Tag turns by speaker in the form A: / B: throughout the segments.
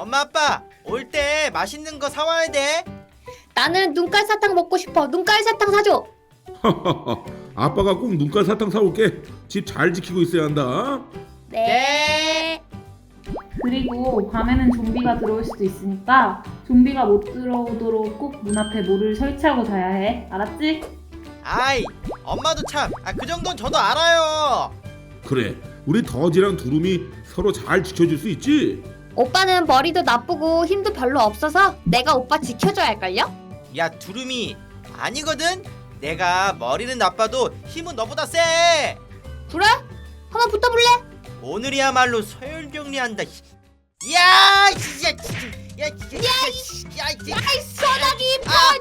A: 엄마 아빠 올 때 맛있는 거 사와야 돼.
B: 나는 눈깔 사탕 먹고 싶어. 눈깔 사탕 사줘.
C: 아빠가 꼭 눈깔 사탕 사올게. 집 잘 지키고 있어야 한다.
B: 네.
D: 그리고 밤에는 좀비가 들어올 수도 있으니까 좀비가 못 들어오도록 꼭 문 앞에 모를 설치하고 자야 해. 알았지?
A: 아이 엄마도 참. 그 정도는 저도 알아요.
C: 그래, 우리 더지랑 두루미 서로 잘 지켜줄 수 있지?
B: 오빠는 머리도 나쁘고 힘도 별로 없어서 내가 오빠 지켜줘야 할걸요?
A: 야 두루미 아니거든. 내가 머리는 나빠도 힘은 너보다 세.
B: 그래? 한번 붙어볼래?
A: 오늘이야말로 서열정리한다. 야, 진짜, 야,
B: 아이 소나기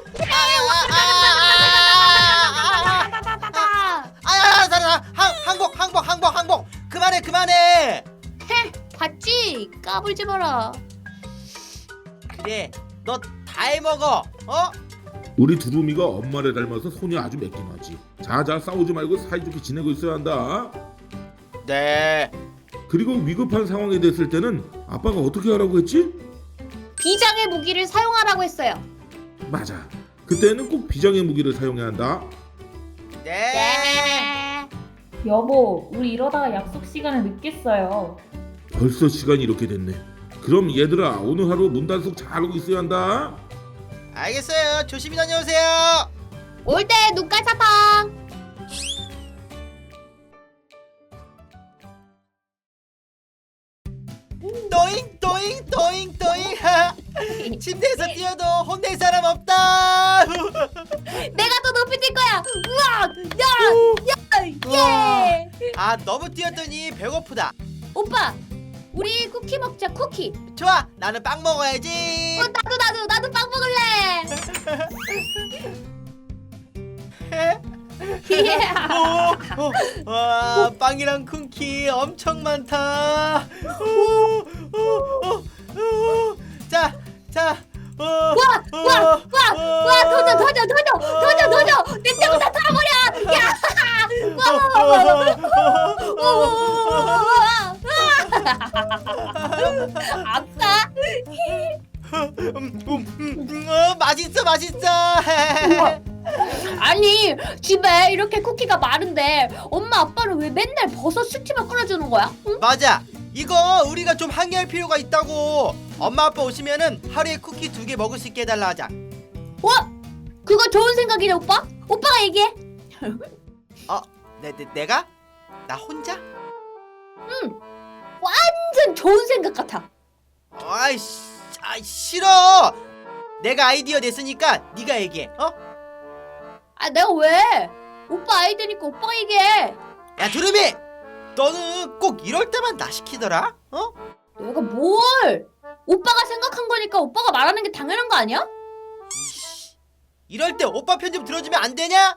A: 항복. 그만해.
B: 봤지? 까불지 마라.
A: 그래, 너 다 해먹어.
C: 우리 두루미가 엄마를 닮아서 손이 아주 매끈하지. 자자 싸우지 말고 사이좋게 지내고 있어야 한다.
A: 네.
C: 그리고 위급한 상황이 됐을 때는 아빠가 어떻게 하라고 했지?
B: 비장의 무기를 사용하라고 했어요.
C: 맞아. 그때는 꼭 비장의 무기를 사용해야 한다.
A: 네.
D: 여보, 우리 이러다가 약속 시간에 늦겠어요.
C: 벌써 시간이 이렇게 됐네. 그럼 얘들아, 오늘 하루 문단속 잘하고 있어야 한다.
A: 알겠어요. 조심히 다녀오세요.
B: 올 때 눈깔 사탕.
A: 또잉. 침대에서 뛰어도 혼낼 사람 없다.
B: 내가 더 높이 뛸 거야. 우와! 예!
A: 너무 뛰었더니 배고프다.
B: 오빠, 우리 쿠키 먹자. 쿠키.
A: 좋아, 나는 빵 먹어야지.
B: 나도 빵 먹을래.
A: 와, 빵이랑 쿠키 엄청 많다. 자.
B: 와, 도전. 내 때부터 다 털어버려. 야! 아빠.
A: 맛있어.
B: 아니, 집에 이렇게 쿠키가 많은데 엄마 아빠는 왜 맨날 버섯 스팀을 끓여주는 거야? 응?
A: 맞아. 이거 우리가 좀 항의할 필요가 있다고. 엄마 아빠 오시면은 하루에 쿠키 2개 먹을 수 있게 해달라 하자.
B: 그거 좋은 생각이네, 오빠. 오빠가 얘기해.
A: 내가? 나 혼자?
B: 완전 좋은 생각 같아.
A: 싫어. 내가 아이디어 냈으니까 네가 얘기해.
B: 내가 왜? 오빠 아이디니까 오빠가 얘기해.
A: 야 두루미, 너는 꼭 이럴 때만 나 시키더라.
B: 내가 뭘? 오빠가 생각한 거니까 오빠가 말하는 게 당연한 거 아니야?
A: 이씨, 이럴 때 오빠 편 좀 들어주면 안 되냐?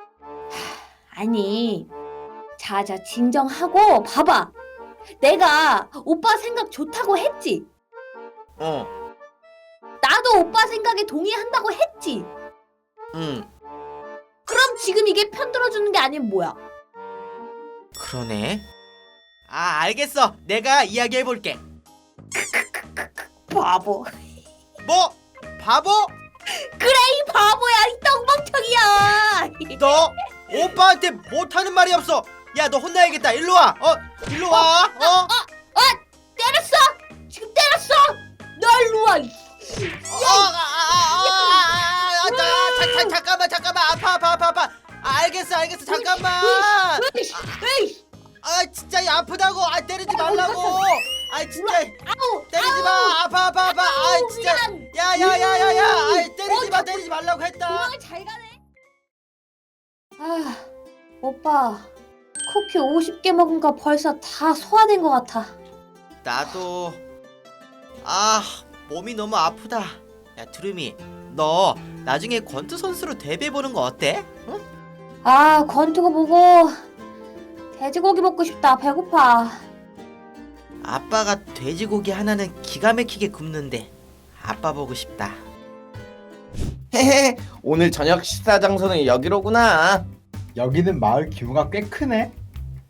B: 아니, 자자 진정하고 봐봐. 내가 오빠 생각 좋다고 했지. 나도 오빠 생각에 동의한다고 했지.
A: 응.
B: 그럼 지금 이게 편 들어주는 게 아니면 뭐야?
A: 그러네. 알겠어. 내가 이야기해볼게.
B: 바보.
A: 뭐? 바보?
B: 그래, 이 바보야, 이 똥멍청이야.
A: 너 오빠한테 못하는 말이 없어. 야, 너 혼나야겠다. 일로 와. 일로 와.
B: 때렸어. 지금 때렸어. 너 일로 와.
A: 잠깐만. 아파. 알겠어. 잠깐만.
B: 에이,
A: 진짜 아프다고. 때리지 말라고. 진짜
B: 아우,
A: 때리지 마. 아파. 진짜. 야야야야야. 때리지 말라고 했다.
B: 도망을 잘 가네. 오빠, 쿠키 50개 먹은 거 벌써 다 소화된 것 같아.
A: 나도 몸이 너무 아프다. 야 두루미, 너 나중에 권투 선수로 데뷔해보는 거 어때? 응?
B: 권투고 보고 돼지고기 먹고 싶다. 배고파.
A: 아빠가 돼지고기 하나는 기가 막히게 굽는데 아빠 보고 싶다.
E: 헤헤, 오늘 저녁 식사 장소는 여기로구나.
F: 여기는 마을 규모가 꽤 크네.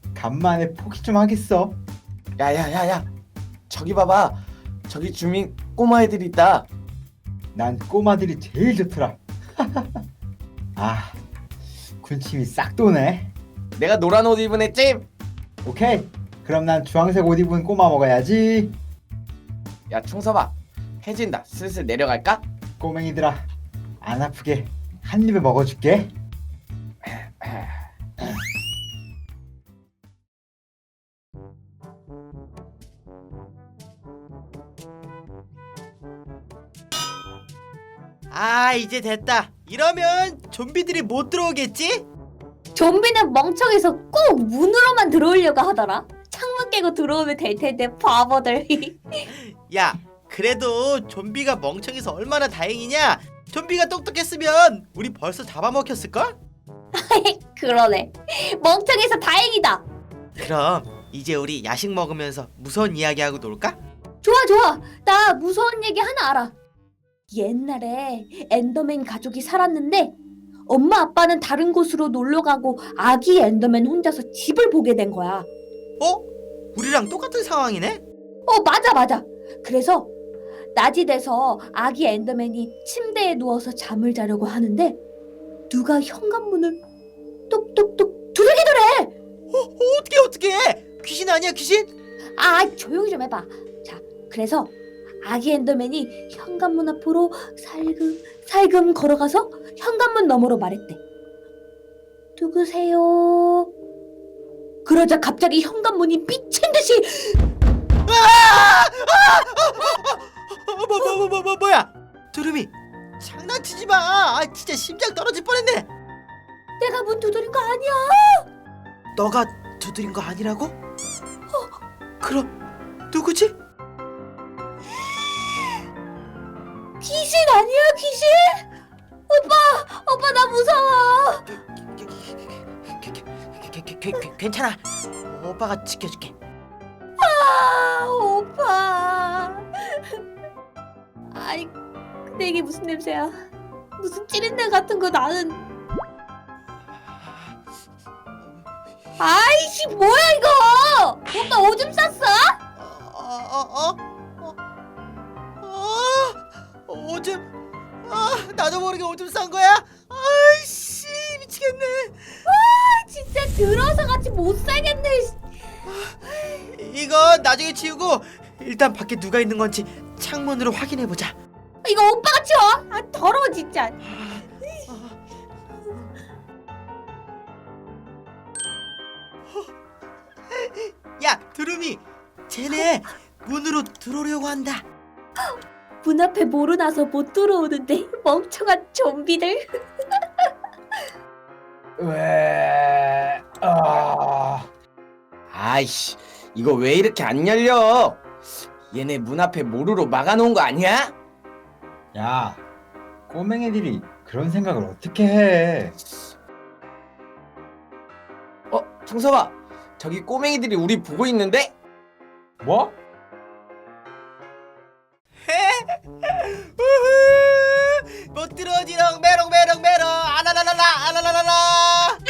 F: 간만에 포기 좀 하겠어.
E: 야야야야, 저기 봐봐. 저기 주민 꼬마애들이 있다.
F: 난 꼬마들이 제일 좋더라. 아, 군침이 싹 도네.
E: 내가 노란 옷 입은 애찜.
F: 오케이. 그럼 난 주황색 옷 입은 꼬마 먹어야지.
E: 야 충서봐, 해진다. 슬슬 내려갈까?
F: 꼬맹이들아, 안 아프게 한 입에 먹어줄게.
A: 아, 이제 됐다. 이러면 좀비들이 못 들어오겠지?
B: 좀비는 멍청해서 꼭 문으로만 들어오려고 하더라. 창문 깨고 들어오면 될 텐데 바보들.
A: 야, 그래도 좀비가 멍청해서 얼마나 다행이냐? 좀비가 똑똑했으면 우리 벌써 잡아먹혔을걸?
B: 그러네. 멍청해서 다행이다.
A: 그럼 이제 우리 야식 먹으면서 무서운 이야기하고 놀까?
B: 좋아. 나 무서운 얘기 하나 알아. 옛날에 엔더맨 가족이 살았는데 엄마 아빠는 다른 곳으로 놀러 가고 아기 엔더맨 혼자서 집을 보게 된 거야.
A: 어? 우리랑 똑같은 상황이네?
B: 맞아. 그래서 낮이 돼서 아기 엔더맨이 침대에 누워서 잠을 자려고 하는데 누가 현관문을 똑똑똑 두드리더래.
A: 어떻게? 귀신 아니야, 귀신?
B: 아, 조용히 좀 해봐. 자, 그래서 아기 엔더맨이 현관문 앞으로 살금 걸어가서 현관문 너머로 말했대. 누구세요? 그러자 갑자기 현관문이 미친 듯이
A: 뭐야? 두루미, 장난치지 마. 아, 진짜 심장 떨어질 뻔했네.
B: 내가 문 두드린 거 아니야.
A: 너가 두드린 거 아니라고? 그럼 누구지?
B: 귀신 아니야, 귀신? 오빠 나 무서워.
A: 괜찮아. 오빠가 지켜줄게.
B: 아, 오빠. 아니, 근데 이게 무슨 냄새야? 무슨 찌린내 같은 거 나는. 아이씨, 뭐야 이거? 오빠 오줌 쌌어?
A: 오줌. 나도 모르게 오줌 싼 거야? 아이씨, 미치겠네.
B: 진짜 들어서 같이 못 살겠네.
A: 이거 나중에 치우고 일단 밖에 누가 있는 건지 창문으로 확인해 보자.
B: 이거 오빠가 치워. 아, 더러워 진짜.
A: 야, 두루미, 쟤네 문으로 들어오려고 한다.
B: 문 앞에 모르나서 못 들어오는데 멍청한 좀비들.
F: 왜?
E: 아이씨, 이거 왜 이렇게 안 열려? 얘네 문 앞에 모루로 막아놓은 거 아니야?
F: 야, 꼬맹이들이 그런 생각을 어떻게 해?
E: 충서봐, 저기 꼬맹이들이 우리 보고 있는데?
F: 뭐?
A: 우후, 못 들어오지롱. 메롱 아라라라라.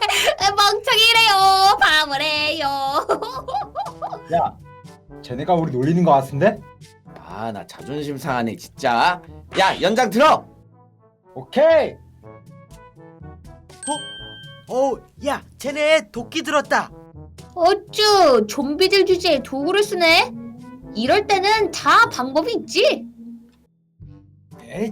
B: 멍청이래요. 바보래요.
F: 야, 쟤네가 우리 놀리는 거 같은데?
E: 아, 나 자존심 상하네 진짜. 야, 연장 들어.
F: 오케이.
A: 야, 쟤네 도끼 들었다.
B: 어쭈, 좀비들 주제에 도구를 쓰네. 이럴 때는 다 방법이 있지.
F: 에잇.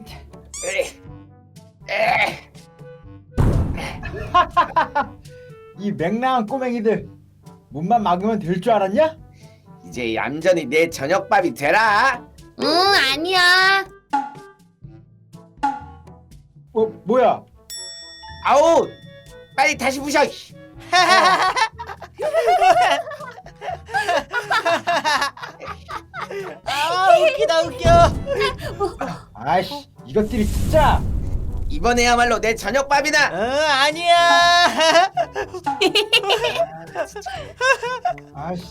F: 이 맹랑한 꼬맹이들, 문만 막으면 될 줄 알았냐?
E: 이제 얌전히 내 저녁밥이 되라.
B: 응, 아니야.
F: 뭐야?
E: 아우, 빨리 다시 부셔.
A: 아, 웃겨.
F: 아이씨, 이것들이 진짜.
E: 이번에야말로 내 저녁밥이다.
A: 아니야.
F: 아이씨.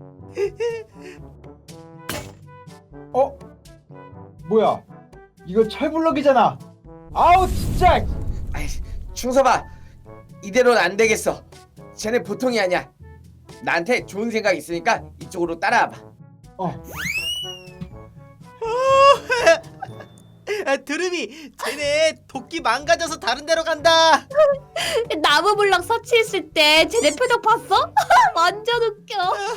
F: 뭐야? 이거 철블럭이잖아. 아우 진짜.
E: 아이, 충서봐, 이대로는 안 되겠어. 쟤네 보통이 아니야. 나한테 좋은 생각 있으니까 이쪽으로 따라와봐.
A: 드름이 쟤네 도끼 망가져서 다른 데로 간다.
B: 나무 블럭 설치했을 때 쟤네 표정 봤어? 완전 웃겨.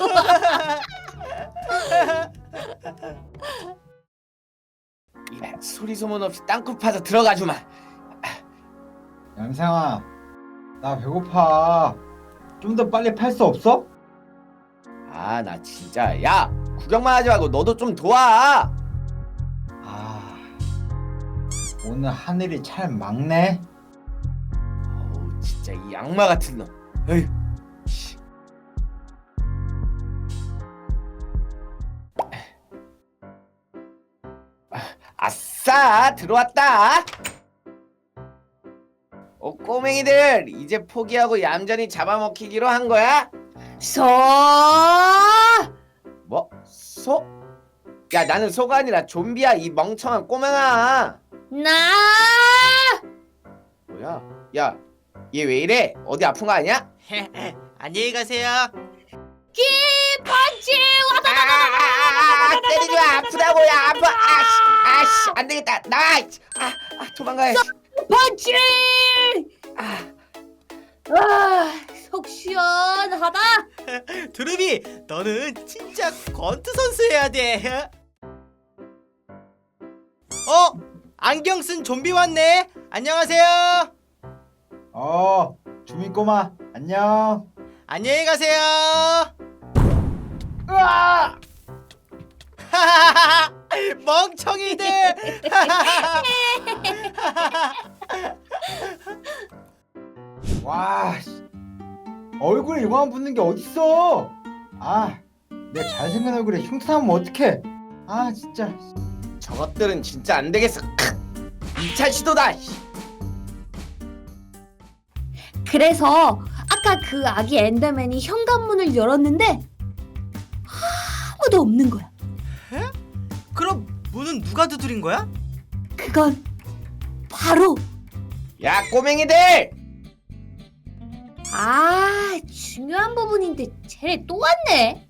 E: 소리 소문 없이 땅굴 파서 들어가 주마.
F: 양상아, 나 배고파. 좀 더 빨리 팔 수 없어?
E: 아, 나 진짜. 야, 구경만 하지 말고 너도 좀 도와.
F: 아, 오늘 하늘이 참 막네.
E: 어우, 진짜 이 악마 같은 놈. 에휴. 씨. 아싸, 들어왔다. 꼬맹이들, 이제 포기하고 얌전히 잡아먹히기로 한 거야? 뭐? 소? 야, 나는 소가 아니라 좀비야, 이 멍청한 꼬맹아.
B: 나
E: 뭐야? 야, 얘 왜 이래? 어디 아픈 거 아니야?
A: 안녕히 가세요.
B: 펀치
E: 때리지 마, 아프다고. 야, 아파. 아씨, 안 되겠다. 나와. 도망가야지.
B: 펀치.
E: 아,
B: 속 시원하다.
A: 드름이 너는 진짜 권투 선수 해야 돼. 안경 쓴 좀비 왔네. 안녕하세요.
F: 주민 꼬마, 안녕.
A: 안녕히 가세요.
F: 으아!
A: 멍청이들.
F: 와, 씨. 얼굴에 이거만 붙는 게 어딨어? 아, 내 잘생긴 얼굴에 흉터나면 어떡해? 아, 진짜.
E: 저것들은 진짜 안 되겠어. 2차 시도다.
B: 그래서 아까 그 아기 엔더맨이 현관문을 열었는데 아무도 없는 거야.
A: 그럼 문은 누가 두드린 거야?
B: 그건 바로
E: 야, 꼬맹이들!
B: 중요한 부분인데 쟤네 또 왔네.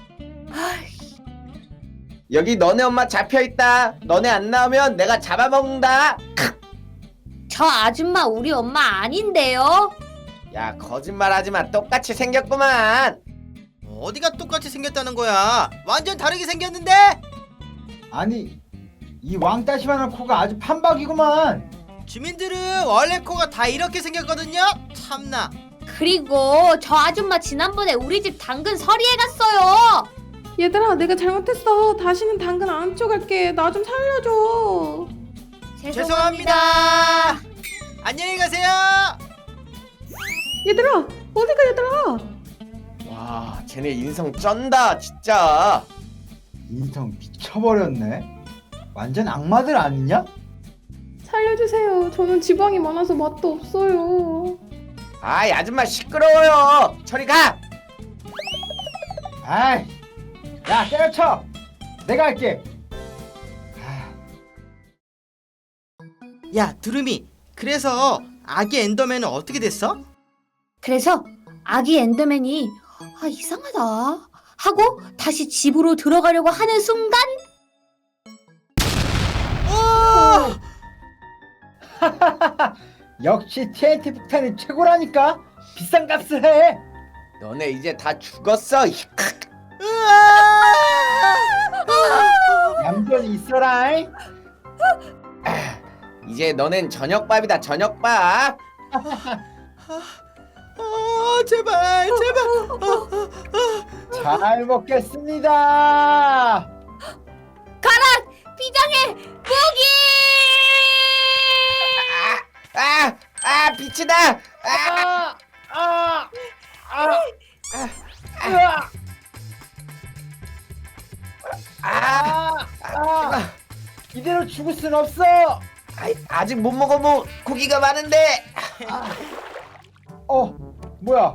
E: 여기 너네 엄마 잡혀있다. 너네 안 나오면 내가 잡아먹는다.
B: 저 아줌마 우리 엄마 아닌데요.
E: 야, 거짓말하지마. 똑같이 생겼구만.
A: 어디가 똑같이 생겼다는 거야? 완전 다르게 생겼는데?
F: 아니, 이 왕따시만한 코가 아주 판박이구만.
A: 주민들은 원래 코가 다 이렇게 생겼거든요. 참나.
B: 그리고 저 아줌마 지난번에 우리 집 당근 서리에 갔어요.
D: 얘들아, 내가 잘못했어. 다시는 당근 안 쪼갈게. 나 좀 살려줘.
A: 죄송합니다. 안녕히 가세요.
D: 얘들아, 어디가 얘들아?
E: 와, 쟤네 인성 쩐다 진짜.
F: 인성 미쳐버렸네. 완전 악마들 아니냐?
D: 살려주세요. 저는 지방이 많아서 맛도 없어요.
E: 아이, 아줌마 시끄러워요. 저리 가.
F: 아이, 야, 때려쳐. 내가 할게. 아,
A: 야, 두루미. 그래서 아기 엔더맨은 어떻게 됐어?
B: 그래서 아기 엔더맨이 이상하다 하고 다시 집으로 들어가려고 하는 순간
A: 오!
F: 역시 TNT 폭탄이 최고라니까. 비싼 값을 해.
E: 너네 이제 다 죽었어.
F: 얌전히 있어라.
E: 이제 너넨 저녁밥이다. 저녁밥.
A: 제발.
F: 잘 먹겠습니다.
B: 비장의 무기!
E: 빛이다.
F: 이대로 죽을 순 없어.
E: 아직 못 먹어본 고기가 많은데.
F: 뭐야?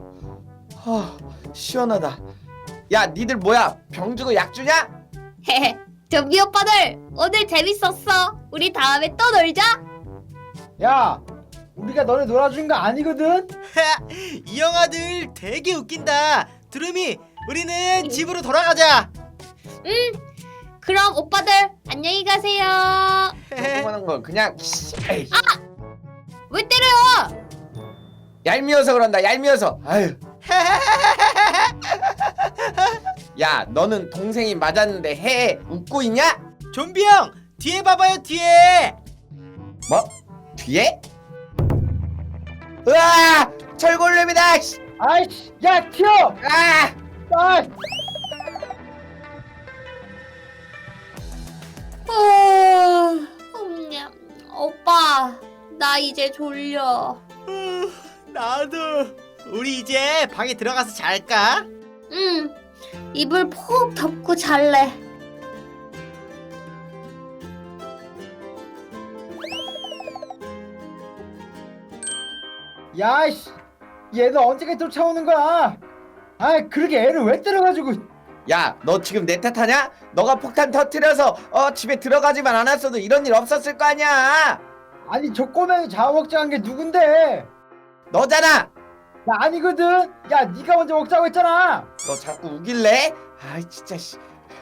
E: 시원하다. 야, 니들 뭐야? 병 주고 약 주냐?
B: 헤헤, 좀비 오빠들 오늘 재밌었어. 우리 다음에 또 놀자.
F: 야, 우리가 너네 놀아준 거 아니거든?
A: 이 영화들 되게 웃긴다. 두루미, 우리는 집으로 돌아가자.
B: 그럼 오빠들 안녕히 가세요.
E: 조그만한 거 그냥 에이,
B: 왜 때려요?
E: 얄미워서 그런다. 얄미워서. 아유. 야, 너는 동생이 맞았는데 해 웃고 있냐?
A: 좀비 형 뒤에 봐봐요 뒤에.
E: 뭐? 뒤에? 으아! 철골렘이다. 씨.
F: 아이씨, 야 튀어!
E: 아!
F: 아,
B: 오빠, 나 이제 졸려.
A: 나도. 우리 이제 방에 들어가서 잘까?
B: 응, 이불 푹 덮고 잘래.
F: 야이씨, 얘는 언제까지 쫓아오는 거야? 아, 그렇게 애를 왜 때려가지고?
E: 야, 너 지금 내 탓하냐? 너가 폭탄 터뜨려서 집에 들어가지만 않았어도 이런 일 없었을 거 아니야.
F: 아니 저 꼬맹이 잡아먹자한 게 누군데?
E: 너잖아.
F: 나 아니거든. 야, 네가 먼저 먹자고 했잖아.
E: 너 자꾸 우길래? 아이 진짜 씨.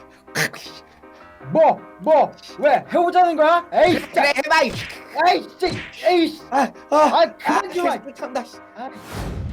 F: 뭐? 왜 해보자는 거야? 에이, 진짜.
E: 그래 해봐.
F: 에이, 진짜. 에이.
E: 아,
F: 아, 그만 좀.
E: 참다.
F: 아.